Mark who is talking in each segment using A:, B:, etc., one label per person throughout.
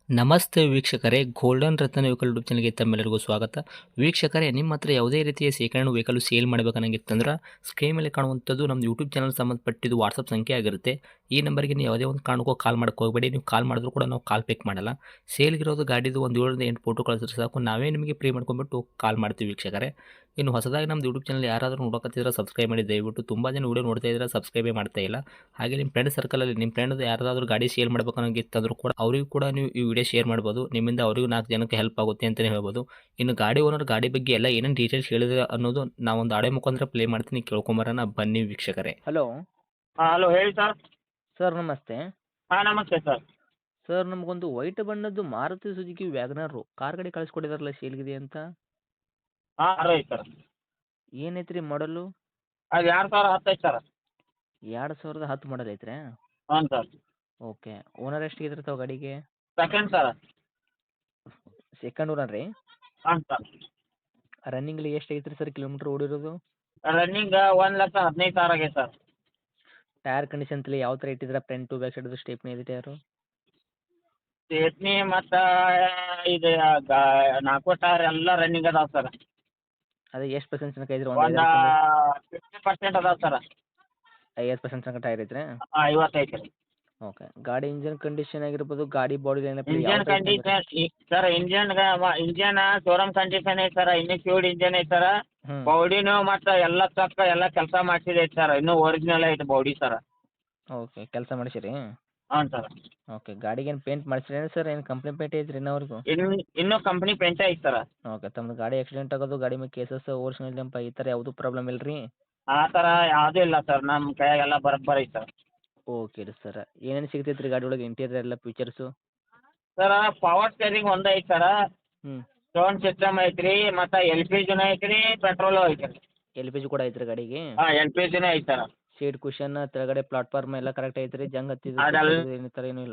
A: ನಮಸ್ತೆ ವೀಕ್ಷಕರೇ, ಗೋಲ್ಡನ್ ರತ್ನ vehicle YouTube ಚಾನಲ್ಗೆ ತಮ್ಮೆಲ್ಲರಿಗೂ ಸ್ವಾಗತ. ವೀಕ್ಷಕರೇ, ನಿಮ್ಮ ಹತ್ರ ಯಾವುದೇ ರೀತಿಯ ಶೇಖರಣೆ ವೆಹಿಕಲ್ ಸೇಲ್ ಮಾಡಬೇಕನ್ನಂಗಿತ್ತಂದ್ರೆ ಸ್ಕ್ರೀನ್ ಮೇಲೆ ಕಾಣುವಂಥದ್ದು ನಮ್ಮ ಯೂಟ್ಯೂಬ್ ಚಾನಲ್ ಸಂಬಂಧಪಟ್ಟಿದ್ದು ವಾಟ್ಸಪ್ ಸಂಖ್ಯೆ ಆಗಿರುತ್ತೆ. ಈ ನಂಬರ್ಗೆ ನೀವು ಯಾವುದೇ ಒಂದು ಕಾರಣಕ್ಕೂ ಕಾಲ್ ಮಾಡಕ್ಕೆ ಹೋಗಬೇಡಿ. ನೀವು ಕಾಲ್ ಮಾಡಿದ್ರು ಕೂಡ ನಾವು ಕಾಲ್ ಪಿಕ್ ಮಾಡಲ್ಲ. ಸೇಲ್ಗಿರೋದು ಗಾಡಿದು ಒಂದು 7ರಿಂದ 8 ಫೋಟೋ ಕಳಿಸಿದ್ರೆ ಸಾಕು, ನಾವೇ ನಿಮಗೆ ಪ್ರೀ ಮಾಡ್ಕೊಂಡ್ಬಿಟ್ಟು ಕಾಲ್ ಮಾಡ್ತೀವಿ ವೀಕ್ಷಕರೇ. ಇನ್ನು ಹೊಸದಾಗಿ ನಮ್ಮದು ಯೂಟ್ಯೂಬ್ ಚಾನಲ್ ಯಾರಾದರೂ ನೋಡೋಕತ್ತಿದ್ರೆ ಸಬ್ಸ್ಕ್ರೈಬ್ ಮಾಡಿ ದಯವಿಟ್ಟು. ತುಂಬ ಜನ ವೀಡಿಯೋ ನೋಡ್ತಾ ಇದ್ದಾರೆ, ಸಬ್ಸ್ಕ್ರೈಬೇ ಮಾಡ್ತಾ ಇಲ್ಲ. ಹಾಗೆ ನಿಮ್ಮ ಫ್ರೆಂಡ್ ಸರ್ಕಲಲ್ಲಿ ನಿಮ್ಮ ಫ್ರೆಂಡ್ ಯಾರಾದರೂ ಗಾಡಿ ಸೇಲ್ ಮಾಡಬೇಕನ್ನೋಂಗಿತ್ತಂದ್ರೂ ಕೂಡ ಅವರಿಗೂ ಕೂಡ ನೀವು ಈ ವಿಡಿಯೋ ಶೇರ್ ಮಾಡ್ಬೋದು. ನಿಮ್ಮಿಂದ ಅವರಿಗೂ 4 ಜನಕ್ಕೆ ಹೆಲ್ಪ್ ಆಗುತ್ತೆ ಅಂತಲೇ ಹೇಳ್ಬೋದು. ಇನ್ನು ಗಾಡಿ ಓನರ್ ಗಾಡಿ ಬಗ್ಗೆ ಎಲ್ಲ ಏನೇನು ಡೀಟೇಲ್ಸ್ ಹೇಳಿದ್ರೆ ಅನ್ನೋದು ನಾವೊಂದು ಆಡಿಯೋ ಮುಖಾಂತರ ಪ್ಲೇ ಮಾಡ್ತೀನಿ, ಕೇಳ್ಕೊಂಬರೋಣ ಬನ್ನಿ ವೀಕ್ಷಕರೇ.
B: ಹಲೋ
C: ಹಲೋ ಹೇಳಿ ಸರ್.
B: ಸರ್, ನಮಸ್ತೆ.
C: ನಮಸ್ತೆ ಸರ್.
B: ಸರ್, ನಮಗೊಂದು ವೈಟ್ ಬಣ್ಣದ್ದು ಮಾರುತಿ ಸುಜುಕಿ ವ್ಯಾಗನರು ಕಾರ್ ಗಾಡಿ ಕಳಿಸ್ಕೊಟ್ಟಿದಾರಲ್ಲ ಸೇಲ್ಗಿದೆ ಅಂತ.
C: Right sir.
B: ಏನೈತ್ರಿ ಮಾಡಲು?
C: ಅದು 2010 ಐತೆ ಸರ್.
B: 2010 ಮಾಡಲ್ ಐತ್ರಿ?
C: ಹ್ಞೂ ಸರ್.
B: ಓಕೆ. ಓನರ್ ಎಷ್ಟಿದ್ರೆ ತಾವು ಗಾಡಿಗೆ?
C: Second sir.
B: ಸೆಕೆಂಡ್ ಓನರ್ ರೀ?
C: ಹಾಂ ಸರ್.
B: ರನ್ನಿಂಗ್ಲಿ ಎಷ್ಟು ಐತ್ರಿ ಸರ್ ಕಿಲೋಮೀಟ್ರ್ ಓಡಿರೋದು?
C: ರನ್ನಿಂಗ್ 1,15,000 ಆಗೈತೆ ಸರ್.
B: ಟೈರ್ ಕಂಡೀಷನ್ ತಲೆ ಯಾವ ಥರ ಇಟ್ಟಿದ್ರೆ front to back side stepney ಇದೆ ಟೈರು?
C: ಚೇತ್ನಿ ಮತ್ತು ಇದು 4 ಟೈರ್ ಎಲ್ಲ ರನ್ನಿಂಗ್ ಅದಾವೆ ಸರ್.
B: ಅದೇ ಎಷ್ಟು ಪರ್ಸೆಂಟ್ ತನಕ ಐತ್ರಿ?
C: ಒಂದು 50% ಅದಾವೆ ಸರ್.
B: 50% ತನಕ ಟೈರ್ ಐತ್ರಿ?
C: 50 ಐತೆ ರೀ.
B: ಓಕೆ. ಗಾಡಿ ಇಂಜನ್ ಕಂಡೀಷನ್ ಆಗಿರ್ಬೋದು, ಗಾಡಿ body lineup
C: engine condition sir, engine showroom condition ಐತೆ ಸರ್. ಇನ್ನೂ ಫ್ಯೂಡ್ ಇಂಜನ್ ಐತೆ ಸರ್. ಬಾಡಿನೂ ಮತ್ತು ಎಲ್ಲ ಚಕ್ಕ ಎಲ್ಲ ಕೆಲಸ ಮಾಡಿಸಿದೆ ಸರ್. ಇನ್ನೂ ಒರಿಜಿನಲ್ ಐತೆ ಬಾಡಿ ಸರ್.
B: ಓಕೆ. ಕೆಲಸ ಮಾಡಿಸಿರಿ?
C: ಹ್ಞೂ ಸರ್.
B: ಓಕೆ. ಗಾಡಿಗೇನು ಪೇಂಟ್ ಮಾಡಿಸಿರೇನು ಸರ್? ಏನು ಕಂಪ್ನಿ ಪೇಂಟ್ ಐತ್ರಿ ಇನ್ನವರೆಗೂ?
C: ಇನ್ನೂ ಕಂಪ್ನಿ ಪೇಂಟೇ ಐತೆ ಸರ್.
B: ಓಕೆ. ತಮ್ಮದು ಗಾಡಿ ಆಕ್ಸಿಡೆಂಟ್ ಆಗೋದು, ಗಾಡಿ ಮೇಲೆ ಕೇಸಸ್, ಓರಿಜಿನಲ್ ಜಂಪ್ ಈ ಥರ ಯಾವುದೂ ಪ್ರಾಬ್ಲಮ್ ಇಲ್ಲ ರೀ?
C: ಆ ಥರ ಯಾವುದೂ ಇಲ್ಲ ಸರ್. ನಮ್ಮ ಕೈಯಾಗೆಲ್ಲ ಬರೋಬ್ಬರಿ ಐತೆ ಸರ್.
B: ಓಕೆ ರೀ ಸರ್. ಏನೇನು ಸಿಗ್ತೈತೆ ರೀ ಗಾಡಿ ಒಳಗೆ ಇಂಟೀರಿಯರ್ ಎಲ್ಲ ಫೀಚರ್ಸು?
C: ಸರ್, ಪವರ್ ಸ್ಟೇರಿಂಗ್ ಒಂದು ಐತೆ ಸರ್.
B: ಹ್ಞೂ.
C: ಸೌಂಡ್ ಸಿಸ್ಟಮ್ ಐತೆ ರೀ, ಮತ್ತು LPGನೂ ಐತೆ ರೀ, ಪೆಟ್ರೋಲು ಐತೆ ರೀ.
B: LPG ಕೂಡ ಐತ್ರಿ ಗಾಡಿಗೆ?
C: LPGನೂ ಐತೆ ಸರ್.
B: ಸೀಟ್ ಕುಷನ್ ಕೆಳಗಡೆ ಪ್ಲಾಟ್ಫಾರ್ಮ್ ಎಲ್ಲ ಕರೆಕ್ಟ್ ಐತೆ ರೀ? ಜಂಗ್ ಹತ್ತಿದ್ದು
C: ಅದೆಲ್ಲ
B: ಏನು ಥರ ಏನೂ ಇಲ್ಲ?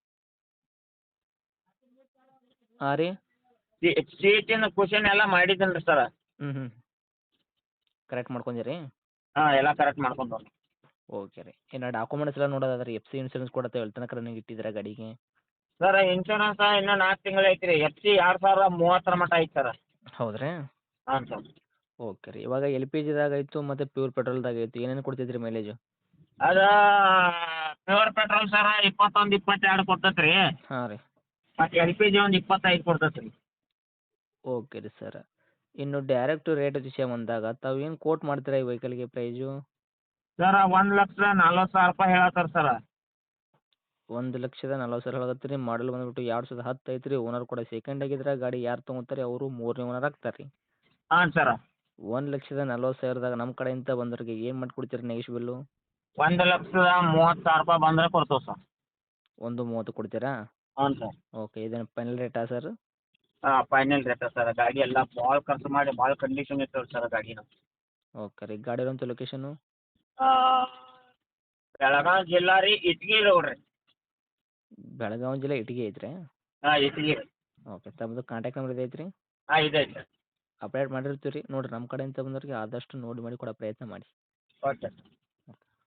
B: ಹಾಂ ರೀ?
C: ಸೀಟಿನ ಕುಷನ್ ಎಲ್ಲ ಮಾಡಿದ್ದೀನಿ ರೀ ಸರ್.
B: ಹ್ಞೂ. ಕರೆಕ್ಟ್ ಮಾಡ್ಕೊಂಡ್ರಿ?
C: ಎಲ್ಲ ಕರೆಕ್ಟ್ ಮಾಡ್ಕೊಂಡು.
B: ಓಕೆ ರೀ. ಇನ್ನು ಡಾಕ್ಯುಮೆಂಟ್ಸ್ ಎಲ್ಲ ನೋಡೋದಾದ್ರೆ FC ಇನ್ಸೂರೆನ್ಸ್ ಕೂಡ ತಾವು ಎಲ್ಲಿ ತನಕ ರನ್ನಿಂಗ್ ಇಟ್ಟಿದ್ದೀರಾ ಗಾಡಿಗೆ?
C: ಸರ್, ಇನ್ಶೂರೆನ್ಸ್ ಇನ್ನೂ 4 ತಿಂಗಳು ಐತೆ ರೀ. FC 2030 ಮಟ್ಟ ಐತೆ ಸರ್.
B: ಹೌದ್ರಾ?
C: ಹಾಂ ಸರ್.
B: ಓಕೆ ರೀ. ಇವಾಗ LPGದಾಗ ಆಯಿತು ಮತ್ತು ಪ್ಯೂರ್ ಪೆಟ್ರೋಲ್ದಾಗ ಆಯಿತು, ಏನೇನು ಕೊಡ್ತೈತೆ ರೀ ಮೈಲೇಜು?
C: ಅದು ಪ್ಯೂರ್ ಪೆಟ್ರೋಲ್ ಸರ್ 21, 22 ಕೊಡ್ತೈತೆ ರೀ.
B: ಹಾಂ ರೀ.
C: ಮತ್ತು LPG ಒಂದು 25 ಕೊಡ್ತೈತೆ ರೀ.
B: ಓಕೆ ರೀ ಸರ್. ಇನ್ನು ಡೈರೆಕ್ಟ್ ರೇಟ್ ವಿಷಯ ಬಂದಾಗ ತಾವು ಏನು ಕೋಟ್ ಮಾಡ್ತೀರಾ ಈ ವೆಹಿಕಲ್ಗೆ ಪ್ರೈಸು?
C: ಸರ್, 1,40,000 ಹೇಳತ್ತಾರೆ ಸರ್.
B: 1,40,000 ಹೇಳಕತ್ತೀರಿ. ಮಾಡಲ್ ಬಂದ್ಬಿಟ್ಟು 2010 ಐತ್ರಿ. ಓನರ್ ಕೂಡ ಸೆಕೆಂಡ್ ಆಗಿದ್ರೆ ಗಾಡಿ ಯಾರು ತೊಗೊತಾರೆ ಅವರು 3ನೇ ಓನರ್ ಆಗ್ತಾರೆ ರೀ.
C: ಹಾಂ ಸರ್.
B: 1,40,000ದಾಗ ನಮ್ಮ ಕಡೆಯಿಂದ ಬಂದವ್ರಿಗೆ ಏನು ಮಾಡಿಕೊಡ್ತೀರಿ ನೆಗೆಶ್ಬಲ್ಲು?
C: 1,30,000 ಬಂದರೆ ಕೊಡ್ತೇವೆ ಸರ್.
B: 1.30 ಕೊಡ್ತೀರಾ?
C: ಹ್ಞೂ ಸರ್.
B: ಓಕೆ. ಇದೇನು ಫೈನಲ್ ರೇಟಾ ಸರ್?
C: Final rate sir. ಗಾಡಿ ಎಲ್ಲ ಭಾಳ ಖರ್ಚು ಮಾಡಿ ಭಾಳ ಕಂಡೀಷನ್ ಇರ್ತವೆ ಸರ್ ಗಾಡಿನ.
B: ಓಕೆ ರೀ. ಗಾಡಿ ಇರೋಂಥ ಲೊಕೇಶನು?
C: ಬೆಳಗಾವಿ ಜಿಲ್ಲಾ ರೀ, ಇಟ್ಗಿ ರೋಡ್ ರೀ.
B: ಬೆಳಗಾವಿ ಜಿಲ್ಲೆ ಇಟಗಿ ಐತ್ರಿ?
C: ಇಟ್ಗಿ ರೀ.
B: ಓಕೆ. ತಮ್ಮದು ಕಾಂಟ್ಯಾಕ್ಟ್ ನಂಬರ್ ಇದೆ ಐತ್ರಿ?
C: ಇದೆ ಸರ್.
B: ಅಪ್ಡೇಟ್ ಮಾಡಿರ್ತೀವಿ ರೀ. ನೋಡಿರಿ, ನಮ್ಮ ಕಡೆಯಿಂದ ಬಂದವ್ರಿಗೆ ಆದಷ್ಟು ನೋಡಿ ಮಾಡಿ ಕೊಡೋ ಪ್ರಯತ್ನ ಮಾಡಿ.
C: ಓಕೆ.